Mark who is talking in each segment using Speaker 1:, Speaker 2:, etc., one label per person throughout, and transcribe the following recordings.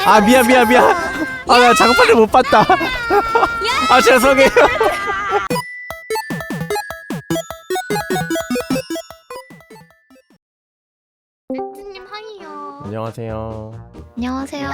Speaker 1: 아 미안. 아 나 장판을 못 봤다. 아 죄송해요.
Speaker 2: 렌즈님 하이요.
Speaker 1: 안녕하세요.
Speaker 3: 안녕하세요.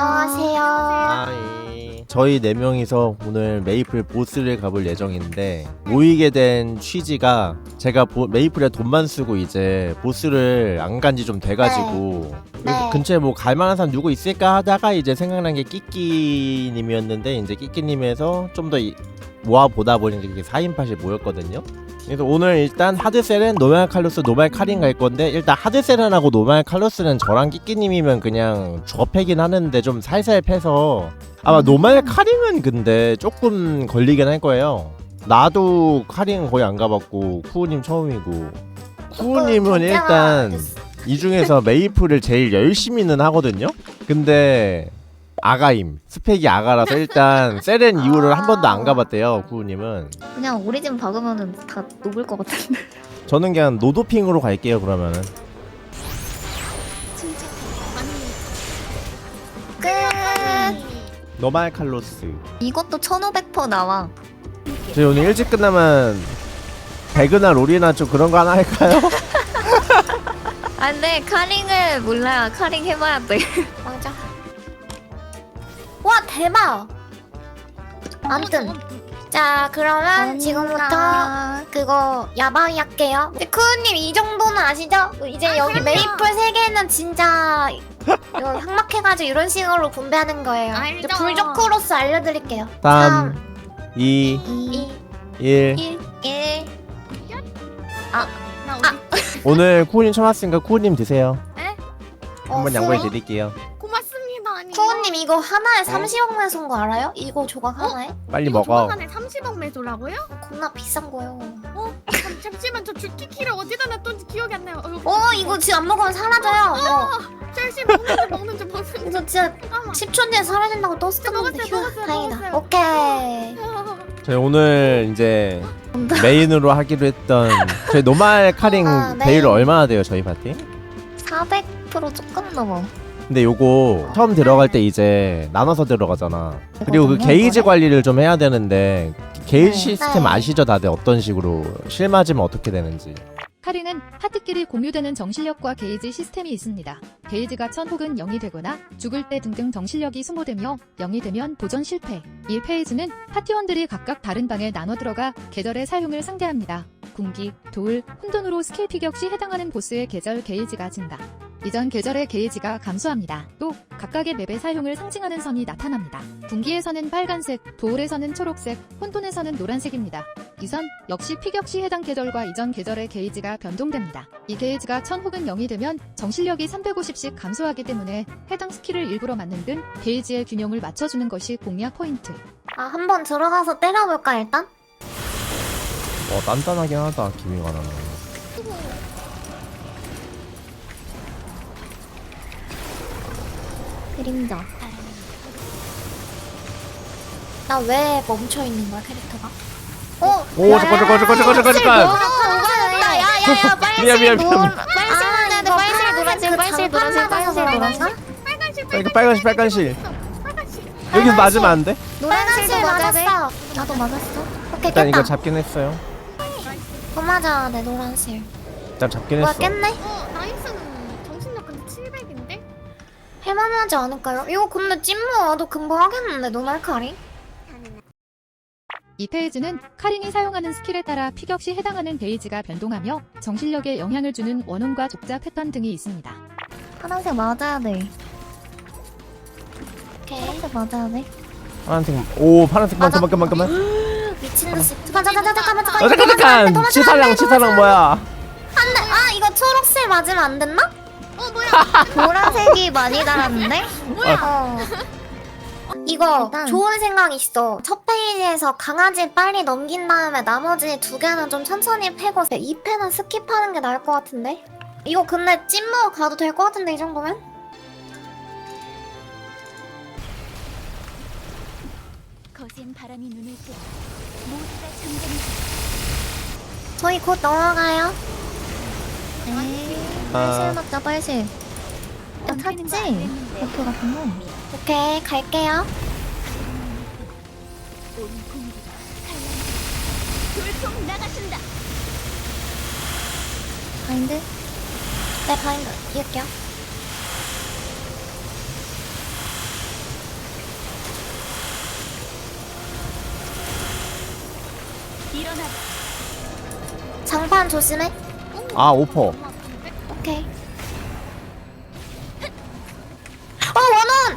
Speaker 1: 저희 4명이서 오늘 메이플 보스를 가볼 예정인데 모이게 된 취지가 제가 메이플에 돈만 쓰고 이제 보스를 안 간지 좀 돼가지고
Speaker 3: 네.
Speaker 1: 근처에 뭐 갈만한 사람 누구 있을까 하다가 이제 생각난 게 끼끼님이었는데 이제 끼끼님에서 좀 더 모아보다 보니까 이게 4인팟이 모였거든요. 그래서 오늘 일단 하드셀은 노말 칼로스, 노말 카린 갈 건데 일단 하드셀은 하고 노말 칼로스는 저랑 끼끼님이면 그냥 접해긴 하는데 좀 살살 패서 아마 노말 카링은 근데 조금 걸리긴 할 거예요. 나도 카링 거의 안 가봤고 쿠우님 처음이고 쿠우님은 일단 이 중에서 메이플을 제일 열심히는 하거든요. 근데 아가임 스펙이 아가라서 일단 세렌 이후를 한 번도 안 가봤대요. 쿠우님은.
Speaker 3: 그냥 오리진 박으면은 다 녹을 것 같은데.
Speaker 1: 저는 그냥 노도핑으로 갈게요. 그러면은
Speaker 2: 진짜
Speaker 3: 끝.
Speaker 1: 노말 칼로스.
Speaker 3: 이것도 1500% 나와.
Speaker 1: 저희 오늘 일찍 끝나면 배그나 롤이나 좀 그런 거 하나 할까요?
Speaker 3: 아 근데 카링을 몰라요. 카링 해봐야 돼.
Speaker 2: 맞아.
Speaker 4: 와 대박. 아무튼 자 그러면 지금부터 그거 야바이 할게요. 쿠우님 이 정도는 아시죠? 이제 여기
Speaker 2: 그럼요.
Speaker 4: 메이플 3개는 진짜 이거 항막해가지고 이런 식으로 분배하는 거예요.
Speaker 2: 알죠.
Speaker 4: 이제 불조크로스 알려드릴게요.
Speaker 1: 3 2
Speaker 4: 2
Speaker 1: 1
Speaker 4: 1
Speaker 2: 나 어디?
Speaker 1: 오늘 쿠우님 처음 왔으니까 쿠우님 드세요.
Speaker 2: 에?
Speaker 1: 한번 양보해 드릴게요.
Speaker 2: 고맙습니다. 아니.
Speaker 4: 쿠우님 이거 하나에 30억 매소인 거 알아요? 이거 조각 하나에?
Speaker 1: 빨리
Speaker 2: 이거
Speaker 1: 먹어.
Speaker 2: 조만간에 30억 매도라고요?
Speaker 4: 겁나 비싼 거요.
Speaker 2: 잠시만 저 주키키를 어디다 놨던지 기억이 안 나요.
Speaker 4: 이거 지금 안 먹으면 사라져요.
Speaker 2: 셀시 먹는지.
Speaker 4: 이거 진짜 10초 뒤에 사라진다고 떴었는데
Speaker 2: 먹었어요.
Speaker 4: 다행이다. 오케이.
Speaker 1: 저희 오늘 이제 메인으로 하기로 했던 저희 노말 카링
Speaker 4: 네.
Speaker 1: 베일 얼마나 돼요 저희 파티?
Speaker 3: 400% 조금 넘어.
Speaker 1: 근데 요거 처음 들어갈 때 이제 나눠서 들어가잖아. 그리고 그
Speaker 3: 이거든요,
Speaker 1: 게이지
Speaker 3: 이거를.
Speaker 1: 관리를 좀 해야 되는데 게이지
Speaker 3: 네.
Speaker 1: 시스템
Speaker 4: 네.
Speaker 1: 아시죠 다들 어떤 식으로 실 맞으면 어떻게 되는지.
Speaker 5: 카링은 파트끼리 공유되는 정실력과 게이지 시스템이 있습니다. 게이지가 1000 혹은 0이 되거나 죽을 때 등등 정실력이 소모되며 0이 되면 도전 실패. 1페이지는 파티원들이 각각 다른 방에 나눠 들어가 계절의 사용을 상대합니다. 군기, 돌, 혼돈으로 스킬 피격 시 해당하는 보스의 계절 게이지가 증가. 이전 계절의 게이지가 감소합니다. 또 각각의 맵의 사용을 상징하는 선이 나타납니다. 군기에서는 빨간색, 도울에서는 초록색, 혼돈에서는 노란색입니다. 이 선 역시 피격 시 해당 계절과 이전 계절의 게이지가 변동됩니다. 이 게이지가 1000 혹은 0이 되면 정실력이 350씩 감소하기 때문에 해당 스킬을 일부러 맞는 등 게이지의 균형을 맞춰주는 것이 공략 포인트.
Speaker 4: 한번 들어가서 때려볼까 일단?
Speaker 1: 단단하긴 하다 기미가 나는.
Speaker 3: 그림자.
Speaker 4: 나 왜 멈춰 있는 거야 캐릭터가?
Speaker 1: 오 잠깐.
Speaker 4: 야야야
Speaker 1: 미안.
Speaker 4: 빨실 노란색 빨실 노란색
Speaker 1: 빨간 실.
Speaker 2: 빨간색.
Speaker 1: 여기서 맞으면 안 돼?
Speaker 4: 노란색
Speaker 3: 맞아야 돼.
Speaker 4: 맞았어.
Speaker 3: 나도 맞았어.
Speaker 4: 오케이
Speaker 1: 일단 이거
Speaker 4: 깼다.
Speaker 1: 잡긴 했어요.
Speaker 4: 맞아 내 노란색.
Speaker 1: 일단 잡긴
Speaker 4: 뭐야
Speaker 1: 했어.
Speaker 4: 깼네?
Speaker 2: 나이스는 정신력 근데 700인데?
Speaker 4: 할만하지 않을까요? 이거 근데 찐무 와도 금방 하겠는데 노말카리?
Speaker 5: 이 페이지는 카링이 사용하는 스킬에 따라 피격 시 해당하는 게이지가 변동하며 정실력에 영향을 주는 원혼과 족자 패턴 등이 있습니다.
Speaker 3: 파란색 맞아야 돼.
Speaker 4: 오케이
Speaker 3: 파란색 맞아야 돼.
Speaker 1: 파란색. 오 파란색
Speaker 4: 맞아.
Speaker 1: 잠깐만.
Speaker 4: 미친듯이 잠깐만
Speaker 1: 잠깐. 치사랑 뭐야?
Speaker 4: 안돼 이거 초록색 맞으면 안 됐나?
Speaker 3: 보라색이 많이 달았는데?
Speaker 4: 이거
Speaker 3: 일단-
Speaker 4: 좋은 생각 있어. 첫 페이지에서 강아지 빨리 넘긴 다음에 나머지 2개는 좀 천천히 패고 2패는 스킵하는 게 나을 것 같은데? 이거 근데 찐무 가도 될 것 같은데 이 정도면?
Speaker 6: 거센 바람이 눈을 뜨고 모두가 잠잠히
Speaker 4: 저희 곧 넘어가요.
Speaker 3: 네.
Speaker 1: 아.
Speaker 3: 빨실 맞자 빨실. 야 탔지? 버프 같은 거.
Speaker 4: 오케이 갈게요.
Speaker 6: 온 공기가 칼날 돌풍 나가신다.
Speaker 3: 바인드?
Speaker 4: 네 바인드 이을게요.
Speaker 6: 일어나.
Speaker 4: 장판 조심해.
Speaker 1: 아 오퍼.
Speaker 4: 오케이. 원원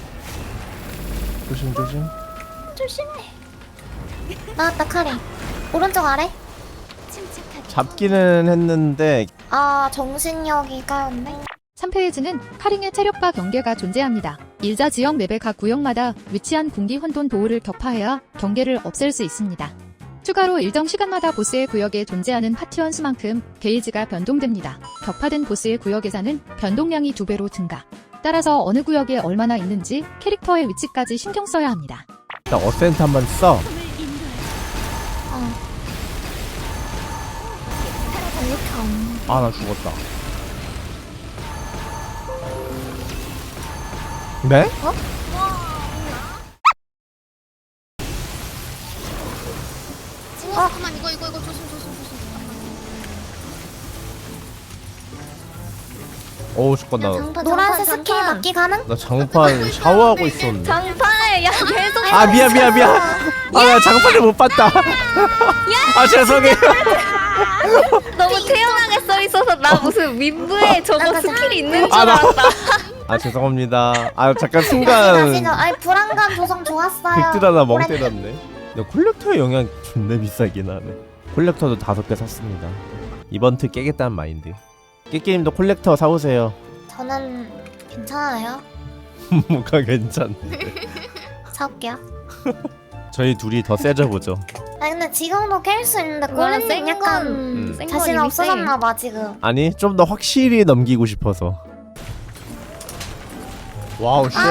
Speaker 1: 조심 조심.
Speaker 4: 조심해. 나왔다 카링. 오른쪽 아래.
Speaker 6: 침착하게.
Speaker 1: 잡기는 했는데
Speaker 4: 아 정신력이 까였네.
Speaker 5: 3페이지는 카링의 체력과 경계가 존재합니다. 일자 지역 맵의 각 구역마다 위치한 군기 혼돈 도우를 격파해야 경계를 없앨 수 있습니다. 추가로 일정 시간마다 보스의 구역에 존재하는 파티원 수만큼 게이지가 변동됩니다. 격파된 보스의 구역 예산은 변동량이 2배로 증가. 따라서 어느 구역에 얼마나 있는지 캐릭터의 위치까지 신경 써야 합니다.
Speaker 1: 일단 어센트 한번 써.
Speaker 6: 품을 인도해.
Speaker 4: 이렇게 없네.
Speaker 1: 아 나 죽었다. 네?
Speaker 2: 잠깐만 이거 조심 잠깐만.
Speaker 1: 어우 죽겠다.
Speaker 4: 노란색 스킬 맞기 가능?
Speaker 1: 나 장판 샤워하고 있었는데.
Speaker 3: 장판을 야 계속
Speaker 1: 아 미안. 아나 장판을 못 봤다. 아 죄송해요.
Speaker 3: 너무 태연하게 써 있어서 나 무슨 윈브에 저거
Speaker 4: 나가자.
Speaker 3: 스킬이 있는 줄
Speaker 1: 아, 나-
Speaker 3: 알았다.
Speaker 1: 아 죄송합니다. 아 잠깐
Speaker 4: 아시죠?
Speaker 1: 순간
Speaker 4: 아니 불안감 조성 좋았어요.
Speaker 1: 빅들 하나 멍
Speaker 4: 오렌지.
Speaker 1: 때렸네. 근데 콜렉터의 영향 존나 비싸긴 하네. 콜렉터도 5개 샀습니다. 이번 트 깨겠다는 마인드. 깨게임도 콜렉터 사오세요.
Speaker 4: 저는 괜찮아요.
Speaker 1: 뭐가 괜찮은데.
Speaker 4: 사올게요.
Speaker 1: 저희 둘이 더 세져보죠.
Speaker 4: 아니 근데 지금도 깰 수 있는데
Speaker 3: 와,
Speaker 4: 꼬리님
Speaker 3: 센
Speaker 4: 약간
Speaker 1: 건-
Speaker 3: 센
Speaker 4: 자신
Speaker 3: 건
Speaker 4: 없어졌나 봐 지금.
Speaker 1: 아니 좀 더 확실히 넘기고 싶어서. 와우 쉣.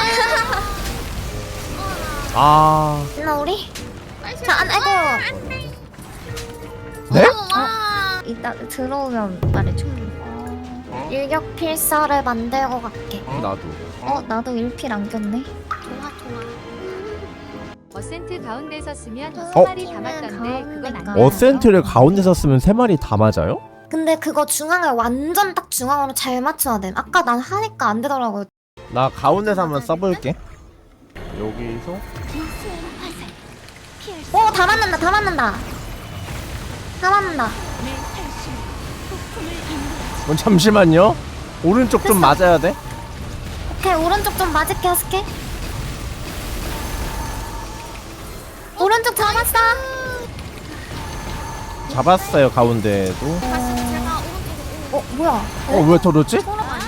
Speaker 1: 아
Speaker 4: 나 우리. 자 아이고.
Speaker 1: 네?
Speaker 3: 이따 들어오면 말해줘.
Speaker 4: 일격 필사를 만들고 갈게.
Speaker 1: 나도.
Speaker 3: 나도 일필 안 꼈네.
Speaker 2: 좋아.
Speaker 5: 어센트 가운데 섰으면
Speaker 1: 어?
Speaker 5: 3마리 담았던데 그건 안
Speaker 3: 아.
Speaker 5: 돼요.
Speaker 1: 어센트를 가운데서 쓰면 3마리 다 맞아요?
Speaker 4: 근데 그거 중앙을 완전 딱 중앙으로 잘 맞춰야 돼. 아까 난 하니까 안 되더라고요.
Speaker 1: 나 가운데서 한번 써볼게. 여기서
Speaker 6: 우수한 화살. 피할 수
Speaker 4: 다 맞는다. 다 맞는다.
Speaker 6: 내 탈출. 폭풍을 인도하지.
Speaker 1: 잠시만요. 오른쪽 좀 맞아야 돼.
Speaker 4: 오케이 오른쪽 좀 맞을게 하스케. 오른쪽 잡았어.
Speaker 1: 잡았어요 가운데도.
Speaker 2: 다시 제가 오른쪽으로
Speaker 4: 뭐야?
Speaker 1: 왜 터졌지?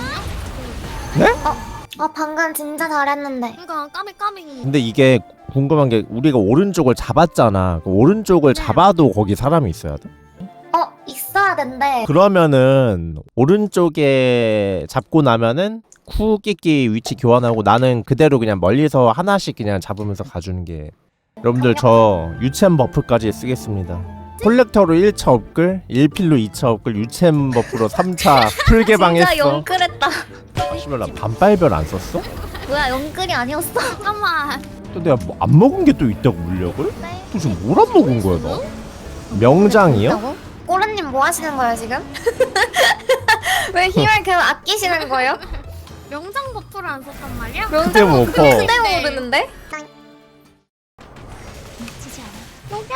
Speaker 4: 아 방금 진짜 잘했는데.
Speaker 2: 그러니까 까비.
Speaker 1: 근데 이게 궁금한 게 우리가 오른쪽을 잡았잖아. 그 오른쪽을 잡아도 거기 사람이 있어야 돼?
Speaker 4: 있어야 된대.
Speaker 1: 그러면은 오른쪽에 잡고 나면은 쿠끼끼 위치 교환하고 나는 그대로 그냥 멀리서 하나씩 그냥 잡으면서 가주는 게. 여러분들 저 유챔 버프까지 쓰겠습니다. 콜렉터로 1차 업글, 1필로 2차 업글, 유챔 버프로 3차 풀 개방했어.
Speaker 3: 진짜 영끌했다.
Speaker 1: 씨발 나 반빨별 안 썼어?
Speaker 3: 뭐야 영끌이 아니었어?
Speaker 2: 잠깐만.
Speaker 1: 또 내가 뭐 안 먹은 게 또 있다고 물력을? 또 지금 뭘 안 먹은 거야 나? 명장이요?
Speaker 4: 꼬르님 뭐 하시는 거예요 지금? 왜 힘을 계속 아끼시는 거예요?
Speaker 2: 명장 버프를 안 썼단 말이야?
Speaker 1: 그때 뭐 퍼.
Speaker 3: 근데 모르는데?
Speaker 6: 놓치지 않아.
Speaker 2: 녹여.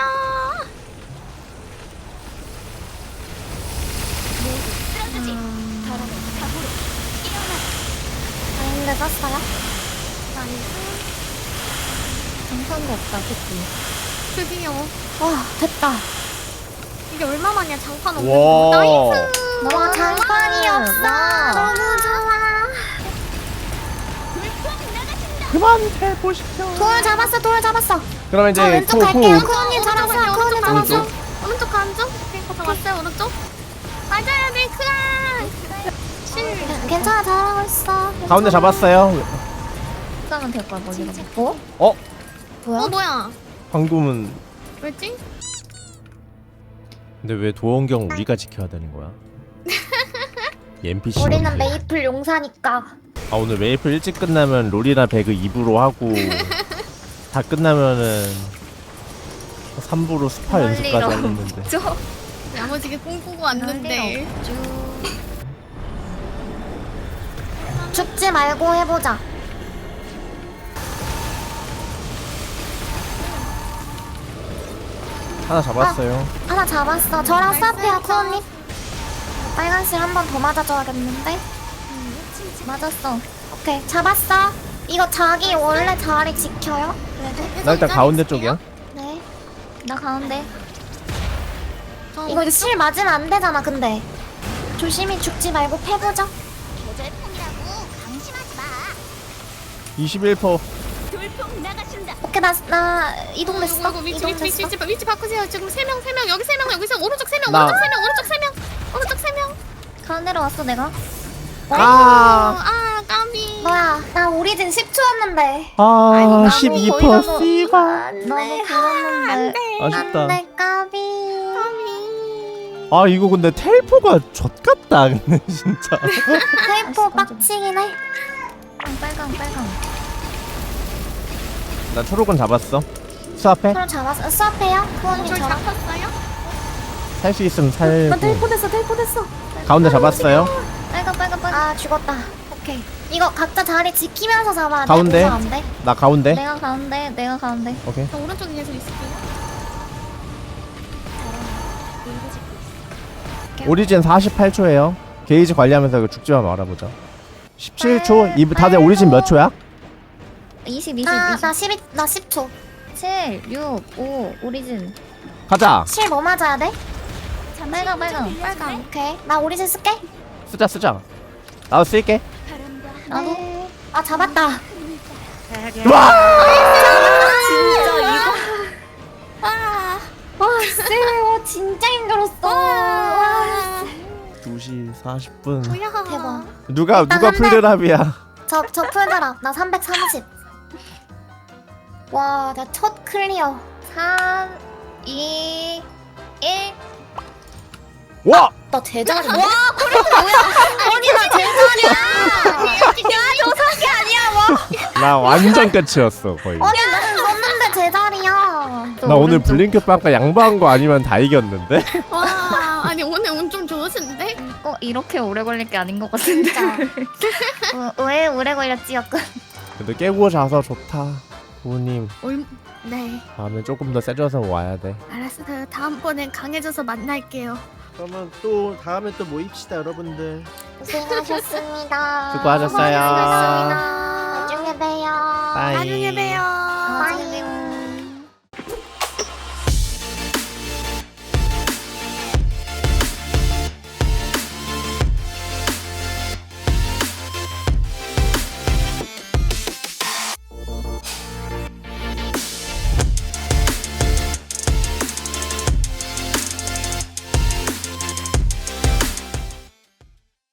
Speaker 6: 쓰러지지. 더러운 각오로. 일어나.
Speaker 4: 바인드 썼어요?
Speaker 3: 장판도 없다 그치?
Speaker 2: 드디어.
Speaker 4: 와 됐다.
Speaker 2: 이게 얼마만이야 장판 없는
Speaker 1: 와.
Speaker 2: 거. 나이스.
Speaker 4: 와 장판이 없어.
Speaker 3: 와.
Speaker 4: 너무 좋아.
Speaker 6: 불풍 나가신다.
Speaker 1: 그만 해보시죠.
Speaker 4: 돌 잡았어.
Speaker 1: 그러면
Speaker 4: 저
Speaker 1: 이제
Speaker 4: 왼쪽
Speaker 1: 후
Speaker 4: 갈게요.
Speaker 1: 후.
Speaker 4: 코언님 잡았어요. 코언님
Speaker 1: 오른쪽.
Speaker 4: 잡았어.
Speaker 2: 오른쪽 간쪽. 오케이 거 잡았어요 오른쪽. 맞아야 돼 크랑.
Speaker 4: 괜찮아 잘하고 있어.
Speaker 1: 가운데 잡았어요.
Speaker 3: 싸면 될걸 멀리가.
Speaker 4: 뭐야?
Speaker 2: 뭐야?
Speaker 1: 방금은
Speaker 2: 왜지?
Speaker 1: 근데 왜 도원경 우리가 지켜야 되는 거야? NPC.
Speaker 4: 우리는 메이플 용사니까.
Speaker 1: 아 오늘 메이플 일찍 끝나면 롤이나 배그 2부로 하고 다 끝나면은 3부로 스파 연습까지
Speaker 3: 멀리로.
Speaker 1: 하겠는데.
Speaker 3: 저
Speaker 2: 야무지게 꿈꾸고 왔는데.
Speaker 4: 죽지 말고 해보자.
Speaker 1: 하나 잡았어요.
Speaker 4: 하나 잡았어. 저랑 스와페야 쿠언니. 빨간실 한 번 더 맞아줘야겠는데. 맞았어. 오케이 잡았어. 이거 자기 원래 자리 지켜요. 그래도.
Speaker 1: 나 일단 가운데 쪽이야.
Speaker 4: 네. 나 가운데.
Speaker 2: 저
Speaker 4: 이거 실 맞으면 안 되잖아. 근데 조심히 죽지 말고 패보자.
Speaker 6: 계절풍이라고 방심하지 마.
Speaker 1: 21%.
Speaker 6: 돌풍 나가신다.
Speaker 4: 오케이 나 이동됐어.
Speaker 2: 이거 위치 바꾸세요. 지금 3명 여기 3명 여기서 오른쪽 3명
Speaker 1: 나-
Speaker 2: 오른쪽 3명 오른쪽 3명
Speaker 4: 가운데로 왔어 내가.
Speaker 1: 아,
Speaker 2: 까비.
Speaker 4: 뭐야? 나 오리진 10초였는데.
Speaker 1: 아,
Speaker 4: 아니,
Speaker 1: 12% 씨발.
Speaker 4: 너무 그랬는데.
Speaker 1: 아쉽다.
Speaker 4: 안돼 까비.
Speaker 1: 아, 이거 근데 텔포가 젖같다. 근데 진짜.
Speaker 4: 테이프 빡치긴 해.
Speaker 3: 빨강.
Speaker 1: 나 초록은 잡았어. 수압해?
Speaker 4: 서로 잡았어. 수업해요?
Speaker 2: 저를
Speaker 4: 부모님처럼.
Speaker 2: 잡았어요?
Speaker 1: 살 수 있으면
Speaker 4: 나
Speaker 1: 살고.
Speaker 4: 테이프 됐어.
Speaker 1: 가운데 잡았어요.
Speaker 3: 빨강.
Speaker 4: 아 죽었다. 오케이. 이거 각자 자리 지키면서 잡아야 돼.
Speaker 1: 가운데?
Speaker 4: 무서워 안 돼?
Speaker 1: 나 가운데.
Speaker 3: 내가 가운데.
Speaker 1: 오케이.
Speaker 2: 저 오른쪽에 계속 있을게요.
Speaker 1: 오리진 48초예요. 게이지 관리하면서 이거 죽지만 말아보자. 17초. 다들 오리진 몇 초야?
Speaker 3: 20.
Speaker 4: 나 10초.
Speaker 3: 7, 6, 5 오리진.
Speaker 1: 가자.
Speaker 4: 실 뭐 맞아야 돼?
Speaker 3: 빨강.
Speaker 4: 오케이. 나 오리진 쓸게.
Speaker 1: 쓰자. 나도 쓸게.
Speaker 6: 바람과
Speaker 3: 나도.
Speaker 4: 네. 아 잡았다.
Speaker 1: 와!
Speaker 4: 진짜 이거. 와 쎄. 진짜 힘들었어. 와.
Speaker 1: 2시 40분.
Speaker 2: 뭐야?
Speaker 4: 대박.
Speaker 1: 누가
Speaker 4: 일단 한 대.
Speaker 1: 풀드랍이야.
Speaker 4: 저 풀더라. 나 330. 와, 나 첫 클리어.
Speaker 3: 3, 2, 1.
Speaker 1: 와!
Speaker 4: 나 제자리. 와, 그래 뭐야? 아니 나 제자리야. 야저 사기 아니야.
Speaker 1: 나 완전 끝이었어 거의.
Speaker 4: 아니 나는 썼는데 제자리야.
Speaker 1: 나 오늘 블링크 빵까 양보한 거 아니면 다 이겼는데?
Speaker 2: 와, 아니 오늘 운 좀 좋으신데?
Speaker 3: 이렇게 오래 걸릴 게 아닌 것 같은데.
Speaker 4: 진짜. 왜 오래 걸렸지 약간.
Speaker 1: 근데 깨고 자서 좋다. 부모님
Speaker 2: 네,
Speaker 1: 다음에 조금 더 세져서 와야 돼.
Speaker 2: 알았어요. 다음번엔 강해져서 만날게요.
Speaker 1: 그러면 또 다음에 또 모입시다 여러분들.
Speaker 4: 고생하셨습니다.
Speaker 1: 수고하셨어요.
Speaker 4: 고생하셨습니다. 나중에 봬요.
Speaker 1: 빠이.
Speaker 2: 나중에 봬요.